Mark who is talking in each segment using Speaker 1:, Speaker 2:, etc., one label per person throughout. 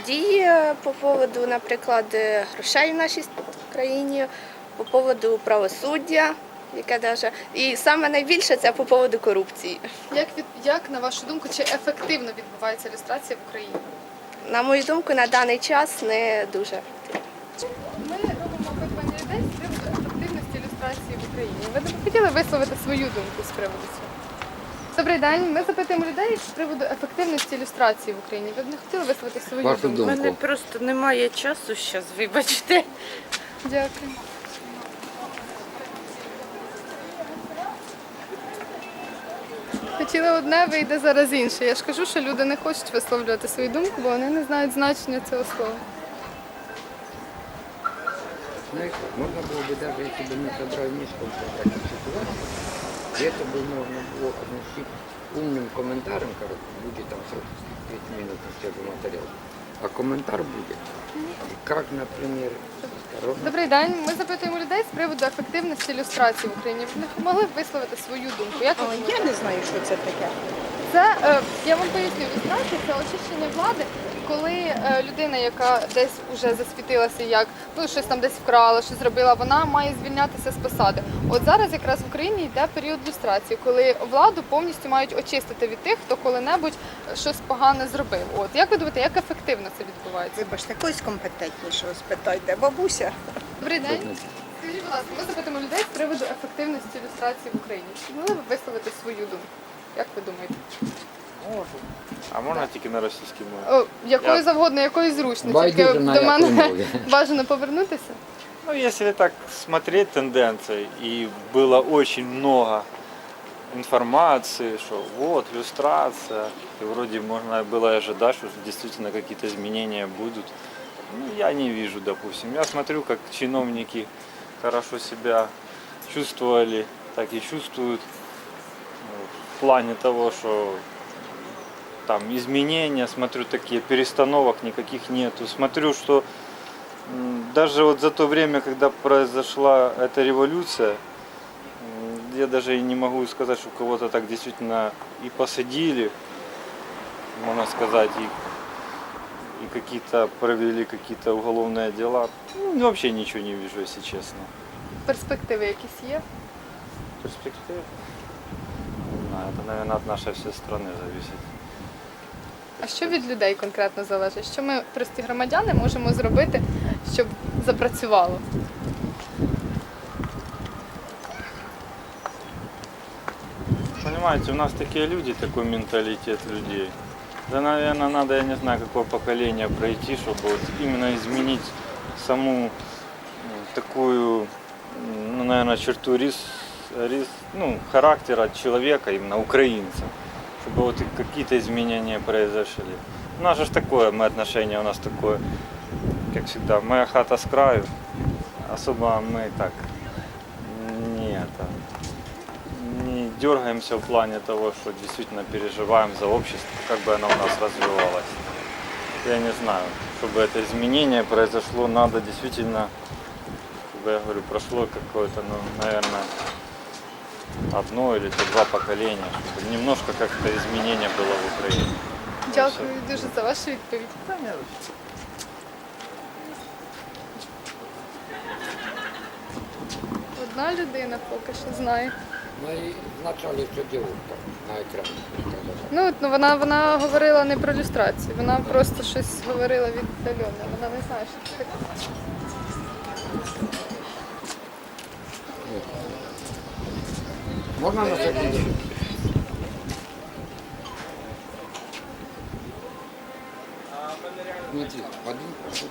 Speaker 1: дії по поводу, наприклад, грошей в нашій країні, по поводу правосуддя, яке даже. І саме найбільше це по поводу корупції.
Speaker 2: Як, на вашу думку, чи ефективно відбувається люстрація в Україні?
Speaker 1: На мою думку, на даний час не дуже.
Speaker 2: Ми робимо опитування людей з приводу ефективності люстрації в Україні. Ви б хотіли висловити свою думку з приводу цього? Добрий день. Ми запитуємо людей з приводу ефективності люстрації в Україні. Ви б не хотіли висловити свою
Speaker 3: Вашу
Speaker 2: думку?
Speaker 4: У мене просто немає часу зараз, вибачте.
Speaker 2: Дякую. Хотіли одне, вийде зараз інше. Я ж кажу, що люди не хочуть висловлювати свою думку, бо вони не знають значення цього слова.
Speaker 3: Знаешь, можно было бы даже, если бы мы собрали несколько таких ситуаций, и это бы можно было относить умным комментарием, короче, будет там 30 минут на свежий материал, а комментар будет. И как, например, осторожно.
Speaker 2: Добрий день. Ми запитуємо людей з приводу ефективності люстрації в Україні. Ви не могли б висловити свою думку? Як ви думаєте?
Speaker 4: Я не знаю, що це таке.
Speaker 2: Це, я вам поясню, люстрація – це очищення влади, коли людина, яка десь вже засвітилася, як щось там десь вкрала, щось зробила, вона має звільнятися з посади. От зараз якраз в Україні йде період люстрації, коли владу повністю мають очистити від тих, хто коли-небудь щось погане зробив. От як ви думаєте, як ефективно це відбувається?
Speaker 4: Вибачте, когось компетентнішого спитайте. Бабуся.
Speaker 2: Добрий день. Скажіть, будь ласка, ми запитаємо людей з приводу ефективності люстрації в Україні. Чи могли б висловити свою думку? Як ви думаєте?
Speaker 5: Можу. А можна тільки на російській мові?
Speaker 2: Якою
Speaker 5: Я-
Speaker 2: завгодно, якою зручно.
Speaker 3: Байдуже,
Speaker 2: Тільки
Speaker 3: на
Speaker 2: до
Speaker 3: якій
Speaker 2: мене
Speaker 3: мові.
Speaker 2: бажано повернутися.
Speaker 5: Ну, если так смотреть тенденции, и было очень много информации, что вот, иллюстрация, и вроде можно было ожидать, что действительно какие-то изменения будут. Ну, я не вижу, допустим. Я смотрю, как чиновники хорошо себя чувствовали, так и чувствуют в плане того, что там изменения, смотрю, такие перестановок никаких нету. Смотрю, что даже вот за то время, когда произошла эта революция, я даже и не могу сказать, что кого-то так действительно и посадили, можно сказать, и какие-то провели какие-то уголовные дела. Ну, вообще ничего не вижу, если честно.
Speaker 2: Перспективи якісь є?
Speaker 5: Перспектив? Не знаю, это, наверное, от нашей всей страны зависит.
Speaker 2: А що від людей конкретно залежить? Що ми, прості громадяни, можемо зробити, щоб запрацювало?
Speaker 5: Понимаете, у нас такие люди, такой менталитет людей. Да, наверное, надо, я не знаю, какое поколение пройти, чтобы вот именно изменить саму такую, ну, наверное, черту характера человека, именно украинца. Чтобы вот какие-то изменения произошли. У нас же такое, отношение у нас такое, как всегда, моя хата с краю. Особо мы так не дергаемся в плане того, что действительно переживаем за общество, как бы оно у нас развивалось. Я не знаю, чтобы это изменение произошло, надо действительно, как бы я говорю, прошло какое-то, ну, наверное, одно или два поколения, чтобы немножко как-то изменение было в Украине.
Speaker 2: Дякую дуже за вашу відповідь. Одна людина поки що знає.
Speaker 3: Ну и вначале все девушка на экране.
Speaker 2: Ну вона говорила не про люстрацію, вона просто щось говорила віддалено. Вона не знає, що це таке.
Speaker 3: Можно на секунду? Смотри, Вадим пошел.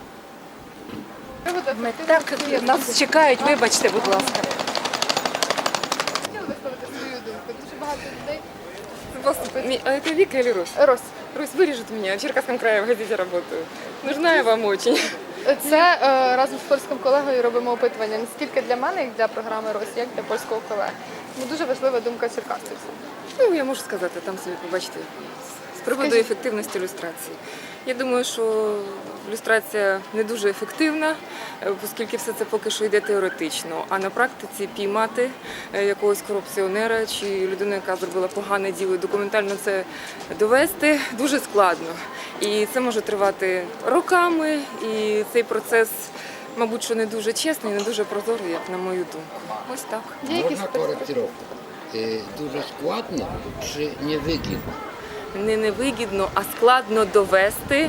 Speaker 4: Так, нас чекають, вибачте, будь ласка.
Speaker 2: Хотіла висловити свою думку. Дуже багато людей.
Speaker 6: А это Вика или Русь?
Speaker 2: Рось.
Speaker 6: Русь вырежет меня, в Черкасском крае в газете работаю. Нужна я вам очень.
Speaker 2: Це разом з польським колегою робимо опитування не стільки для мене, як для програми «Рось», як для польського колеги. Тому дуже важлива думка черкасців.
Speaker 6: Ну, я можу сказати, там собі побачите, з приводу
Speaker 2: Скажіть.
Speaker 6: ефективності ілюстрації. Я думаю, що люстрація не дуже ефективна, оскільки все це поки що йде теоретично. А на практиці піймати якогось корупціонера чи людину, яка зробила погане діло, і документально це довести дуже складно. І це може тривати роками, і цей процес, мабуть, що не дуже чесний, не дуже прозорий, як на мою думку. Ось так.
Speaker 2: Є якісь
Speaker 3: Можна коректировку? Дуже складно чи невигідно?
Speaker 6: Не невигідно, а складно довести,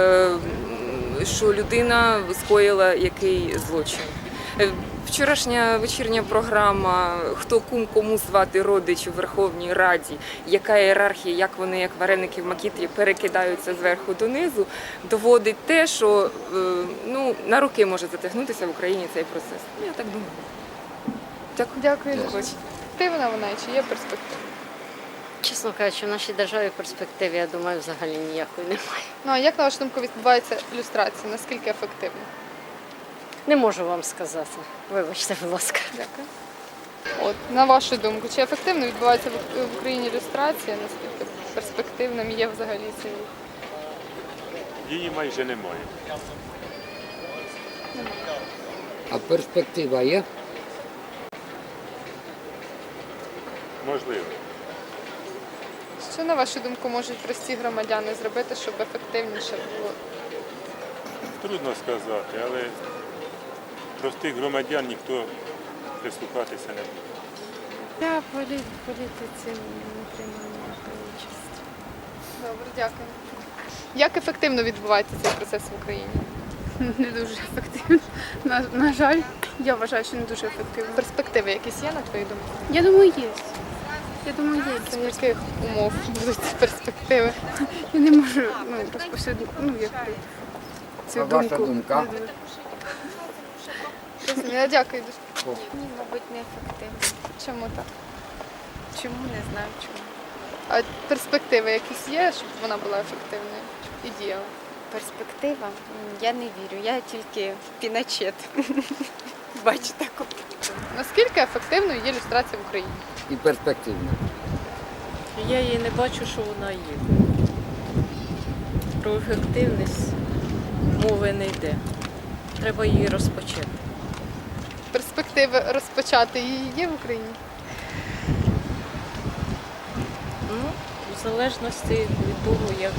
Speaker 6: що людина скоїла який злочин. Вчорашня вечірня програма «Хто кум кому звати родич у Верховній Раді», яка ієрархія, як вони, як вареники в макітрі, перекидаються зверху донизу, доводить те, що на роки може затягнутися в Україні цей процес. Я так думаю.
Speaker 2: Дякую. Перспективна вона чи є перспектива?
Speaker 7: Чесно кажучи, в нашій державі перспективи, я думаю, взагалі ніякої немає.
Speaker 2: Ну а як, на вашу думку, відбувається люстрація? Наскільки ефективно?
Speaker 7: Не можу вам сказати. Вибачте, будь ласка.
Speaker 2: Дякую. От, на вашу думку, чи ефективно відбувається в Україні люстрація? Наскільки перспективним є взагалі цей?
Speaker 8: Її майже немає.
Speaker 3: А перспектива є?
Speaker 8: Можливо.
Speaker 2: Що, на вашу думку, можуть прості громадяни зробити, щоб ефективніше було?
Speaker 8: Трудно сказати, але простих громадян ніхто прислухатися не буде.
Speaker 9: Я в політиці не приймаю ніякої участі.
Speaker 2: Добре, дякую. Як ефективно відбувається цей процес в Україні?
Speaker 9: Не дуже ефективно. На жаль, я вважаю, що не дуже ефективно.
Speaker 2: Перспективи якісь є, на твою думку?
Speaker 9: Я думаю, є. Я думаю, є
Speaker 2: За
Speaker 9: якісь.
Speaker 2: яких умов будуть ці перспективи?
Speaker 9: Я не можу розповсюдити, цю
Speaker 3: А
Speaker 9: думку.
Speaker 3: ваша думка?
Speaker 2: Я дякую дуже.
Speaker 9: Ні, мабуть, не ефективно.
Speaker 2: Чому так?
Speaker 9: Чому? Не знаю чому.
Speaker 2: А перспективи якісь є, щоб вона була ефективною і діяла?
Speaker 10: Перспектива? Я не вірю, я тільки піначет. Бачу таку.
Speaker 2: Наскільки ефективною є люстрація в Україні?
Speaker 3: І перспективно.
Speaker 4: Я її не бачу, що вона є. Про ефективність мови не йде. Треба її розпочати.
Speaker 2: Перспективи розпочати її є в Україні?
Speaker 4: В залежності від того, як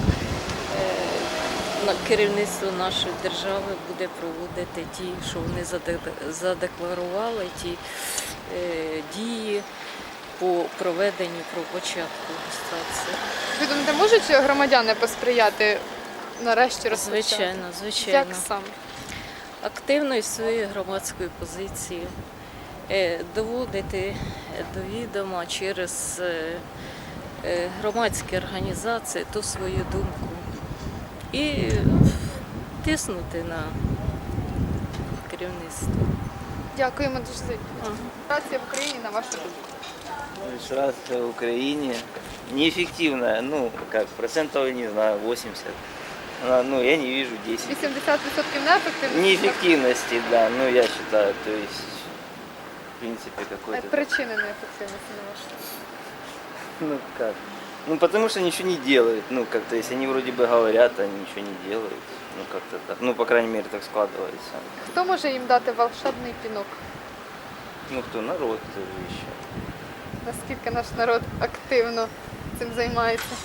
Speaker 4: керівництво нашої держави буде проводити ті, що вони задекларували, ті дії по проведенню, про початку люстрації.
Speaker 2: Ви думаєте, можуть громадяни посприяти нарешті розпочати?
Speaker 4: Звичайно, звичайно.
Speaker 2: Як саме?
Speaker 4: Активною своєю громадською позицією, доводити до відома через громадські організації ту свою думку і тиснути на керівництво.
Speaker 2: Дякуємо дуже за відповідь. Люстрація в Україні, на вашу думку?
Speaker 11: Иллюстрация в Украине неэффективная, как процентов, не знаю, 80. Я не вижу 10.
Speaker 2: 80% неефективності?
Speaker 11: Неэффективности, да, я считаю, то есть, в принципе, какой-то...
Speaker 2: Причини неефективності, на вашу думку?
Speaker 11: Как? Потому что ничего не делают, как-то, если они вроде бы говорят, они ничего не делают, как-то так, по крайней мере, так складывается.
Speaker 2: Хто може їм дати волшебний пінок?
Speaker 11: Кто? Народ еще.
Speaker 2: Наскільки наш народ активно цим займається?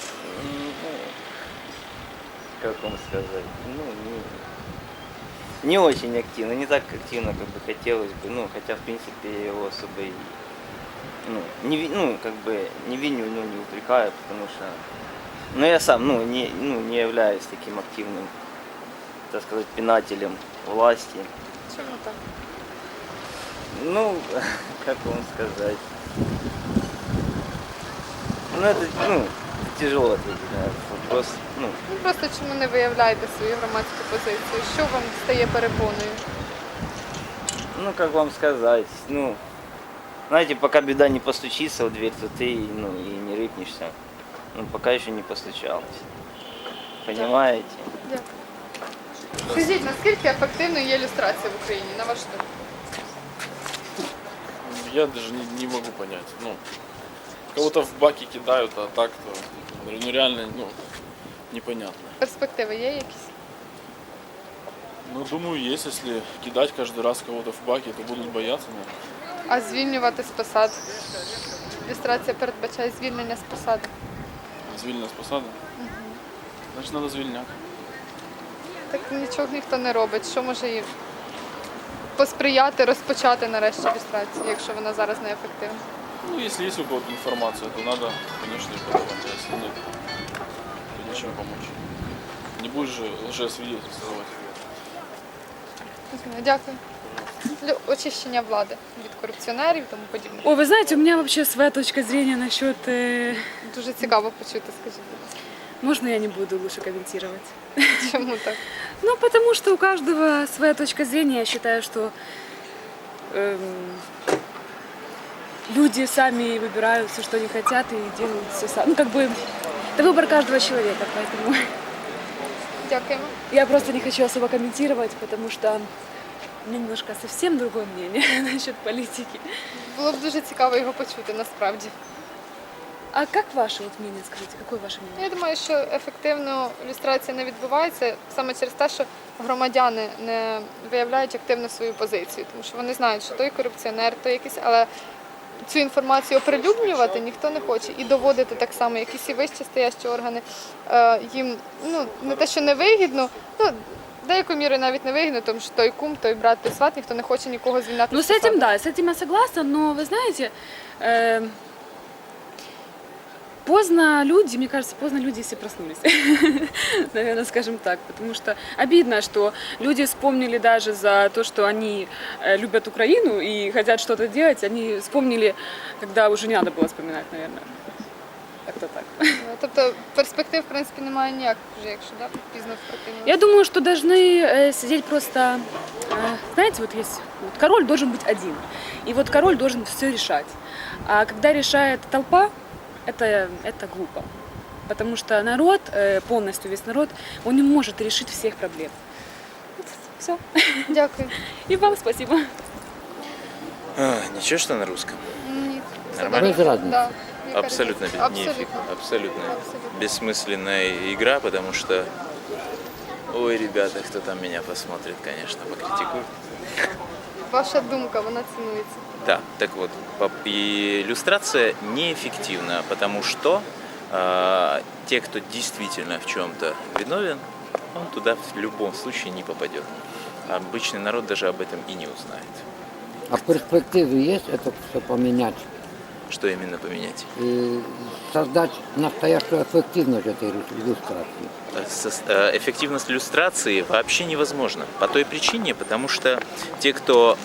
Speaker 11: Как вам сказать, не очень активно, не так активно, как бы хотелось бы, хотя, в принципе, я его особо и, не виню, не упрекаю, потому что, я сам, не являюсь таким активным, так сказать, пинателем власти.
Speaker 2: Чому так?
Speaker 11: Как вам сказать, это, тяжело ответить на этот вопрос,
Speaker 2: Просто чому не виявляєте свою громадську позицію? Що вам стає перепоною?
Speaker 11: как вам сказать, знаете, пока беда не постучится в дверь, то ты, и не рыпнешься. Пока еще не постучалась. Понимаете?
Speaker 2: Дякую. Скажіть, наскільки ефективною є люстрація в Україні, на вашу думку?
Speaker 12: Я даже не могу понять. Кого-то в баки кидают, а так-то реально непонятно.
Speaker 2: Перспективи є якісь?
Speaker 12: Ну, думаю, есть. Если кидать каждый раз кого-то в баки, то будут бояться, наверное.
Speaker 2: А звільнювати з посад? Люстрація передбачає звільнення з посади.
Speaker 12: Звільнення з посади. Значить, треба звільняти.
Speaker 2: Так нічого ніхто не робить. Що може їй посприяти, розпочати нарешті люстрацію, якщо вона зараз не ефективна?
Speaker 12: Ну, если есть у кого-то информация, то надо, конечно, ее подавать. А если нет, то ничем помочь. Не будешь же лжесвидетельствовать.
Speaker 2: Дякую. Для очищення влади від корупціонерів і тому подібне.
Speaker 13: Ой, вы знаете, у меня вообще своя точка зрения насчет...
Speaker 2: Дуже цікаво почути, скажіть.
Speaker 13: Можно я не буду лучше комментировать?
Speaker 2: Чому так?
Speaker 13: Ну, потому что у каждого своя точка зрения. Я считаю, что люди сами выбирают все, что они хотят, и делают все сами. Ну, как бы, это выбор каждого человека, поэтому
Speaker 2: Дякуємо.
Speaker 13: я просто не хочу особо комментировать, потому что у меня немножко совсем другое мнение насчет политики.
Speaker 2: Було б дуже цікаво його почути, насправді.
Speaker 13: А как ваше вот мнение, скажите, какое ваше мнение?
Speaker 2: Я думаю, що ефективно люстрація не відбувається саме через те, що громадяни не виявляють активно свою позицію, тому що вони знають, що той корупціонер, той якийсь, але цю інформацію оприлюднювати ніхто не хоче і доводити так само, якісь і вищі стоящі органи їм не те, що не вигідно, деякою мірою навіть не вигідно, тому що той кум, той брат, той сват, ніхто не хоче нікого звільняти.
Speaker 13: Ну,
Speaker 2: з
Speaker 13: с этим,
Speaker 2: посади.
Speaker 13: да, с этим я согласна, но вы знаете, поздно люди, мне кажется, поздно люди все проснулись, наверное, скажем так, потому что обидно, что люди вспомнили даже за то, что они любят Украину и хотят что-то делать, они вспомнили, когда уже не надо было вспоминать, наверное. Как-то так.
Speaker 2: Тобто перспектив, в принципі, немає ніяких вже, якщо пізно впротивно.
Speaker 13: Я думаю, что должны сидеть просто, знаете, вот есть, вот король должен быть один, и вот король должен все решать. А когда решает толпа, это глупо, потому что народ, полностью весь народ, он не может решить всех проблем. Вот, все.
Speaker 2: Дякую.
Speaker 13: И вам спасибо.
Speaker 14: Ничего, что на русском?
Speaker 2: Ні.
Speaker 14: Нормально?
Speaker 3: Без разницы.
Speaker 2: Да.
Speaker 14: Абсолютно,
Speaker 2: Абсолютно.
Speaker 14: абсолютно бессмысленная игра, потому что, ой, ребята, кто там меня посмотрит, конечно, покритикует.
Speaker 2: Ваша думка, вона цінується.
Speaker 14: Да, так вот, и иллюстрация неэффективна, потому что те, кто действительно в чем-то виновен, он туда в любом случае не попадет. Обычный народ даже об этом и не узнает.
Speaker 3: А перспективы есть это все поменять?
Speaker 14: Что именно поменять?
Speaker 3: И создать настоящую эффективность этой иллюстрации?
Speaker 14: Эффективность иллюстрации вообще невозможна. По той причине, потому что те, кто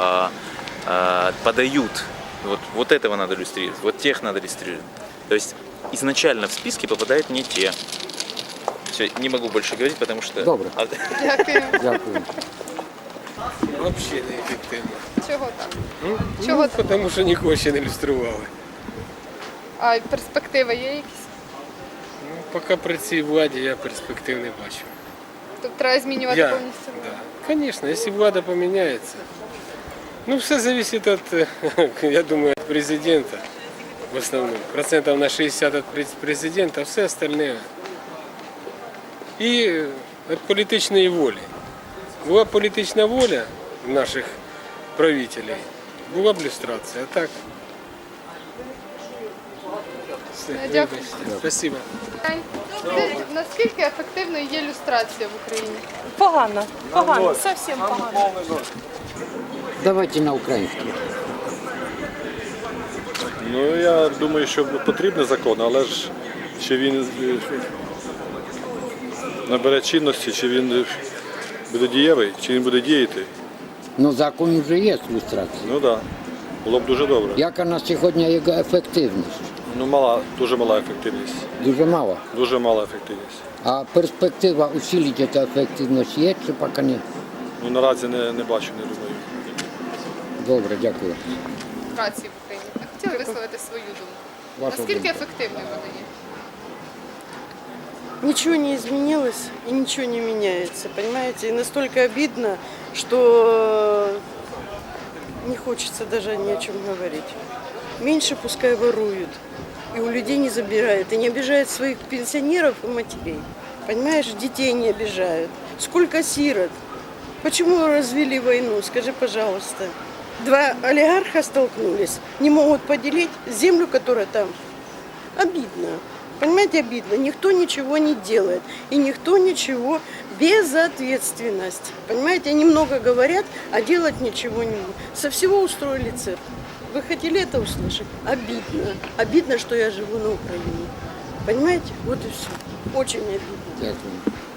Speaker 14: подают, вот этого надо иллюстрировать, вот тех надо иллюстрировать. То есть изначально в списке попадают не те. Все, не могу больше говорить, потому что...
Speaker 3: Добре.
Speaker 2: Дякую.
Speaker 3: Дякую.
Speaker 15: Взагалі не ефективно.
Speaker 2: Чого так?
Speaker 15: Чого так? Тому що нікого ще не ілюстрували.
Speaker 2: А перспективи є якісь?
Speaker 15: Поки при цій владі я перспектив не бачу.
Speaker 2: Тобто треба змінювати повністю?
Speaker 15: Да. Звісно, якщо влада поміняється. Ну, все залежить від, я думаю, від президента в основному. Процентів на 60 від президента, а все остальне. І від політичної волі. Була політична воля наших правителей, була б ілюстрація, а так. Все,
Speaker 2: Дякую.
Speaker 15: спасибо.
Speaker 2: Наскільки ефективною є люстрація в Україні?
Speaker 4: Погано, зовсім погано.
Speaker 3: Давайте на українській.
Speaker 16: Ну, я думаю, що потрібний закон, але ж чи він набере чинності, чи він буде дієвий, чи він буде діяти.
Speaker 3: Ну, закон вже є ілюстрація.
Speaker 16: Ну так, було б дуже добре.
Speaker 3: Яка на сьогодні його ефективність?
Speaker 16: Ну, мала, дуже мала ефективність.
Speaker 3: Дуже мало.
Speaker 16: Дуже мала ефективність.
Speaker 3: А перспектива усилити цю ефективність є чи поки ні?
Speaker 16: Ну, наразі не бачу, не думаю.
Speaker 3: Добре, дякую.
Speaker 2: Люстрації в Україні. Я хотіла висловити свою думку.
Speaker 3: Ваша
Speaker 2: Наскільки
Speaker 3: думка.
Speaker 2: ефективною вона є?
Speaker 17: Ничего не изменилось и ничего не меняется, понимаете? И настолько обидно, что не хочется даже ни о чем говорить. Меньше пускай воруют, и у людей не забирают, и не обижают своих пенсионеров и матерей. Понимаешь, детей не обижают. Сколько сирот Почему развели войну? Скажи, пожалуйста. Два олигарха столкнулись, не могут поделить землю, которая там. Обидно. Понимаете, обидно. Никто ничего не делает. И никто ничего, безответственность. Понимаете, они много говорят, а делать ничего не могут. Со всего устроили цирк. Вы хотели это услышать? Обидно. Обидно, что я живу на Украине. Понимаете? Вот и все. Очень обидно.
Speaker 3: Дякую.